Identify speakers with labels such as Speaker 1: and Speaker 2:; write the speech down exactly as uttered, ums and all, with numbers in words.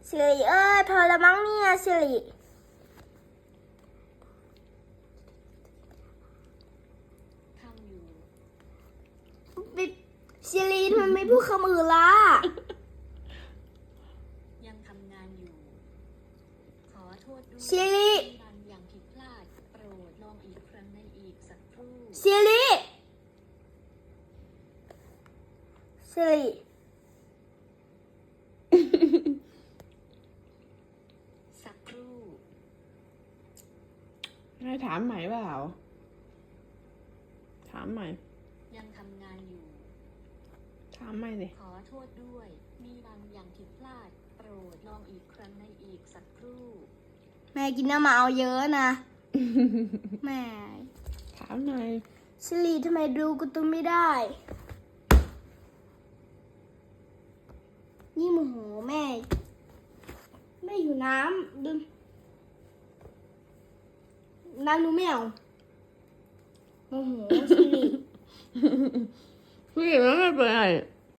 Speaker 1: สิริเอ้ยพอละมั้งเนี่ยสิริ
Speaker 2: ทำอยู่
Speaker 1: สิริทำไมไม่พูดคำอื่นล่ะ
Speaker 2: ยังทำงานอยู่ ขอโทษด้วย
Speaker 1: สิริ
Speaker 2: บางอย่างผิดพลาดโปรดลองอีกครั้งในอีกสักครู่
Speaker 1: สิริสิริ
Speaker 2: สักครู่
Speaker 3: ให้ถามใหม่เปล่าถามใหม่
Speaker 2: ยังทำงานอยู่
Speaker 3: ถามใหม่สิ
Speaker 2: ขอโทษด้วย มีบางอย่างผิดพลาดโปรดลองอีกครั้งในอีกสักครู่
Speaker 1: แม่กินน้ำมาเอาเยอะนะ แม่
Speaker 3: ถามหน่อย
Speaker 1: สิริทำไมดูการ์ตูนไม่ได้ นี่โมโหแม่ แม่อยู่น้ำดึงน้ำหนูไม่เอาโมโหสิริ
Speaker 3: พี่แล้วไม่เป็นไร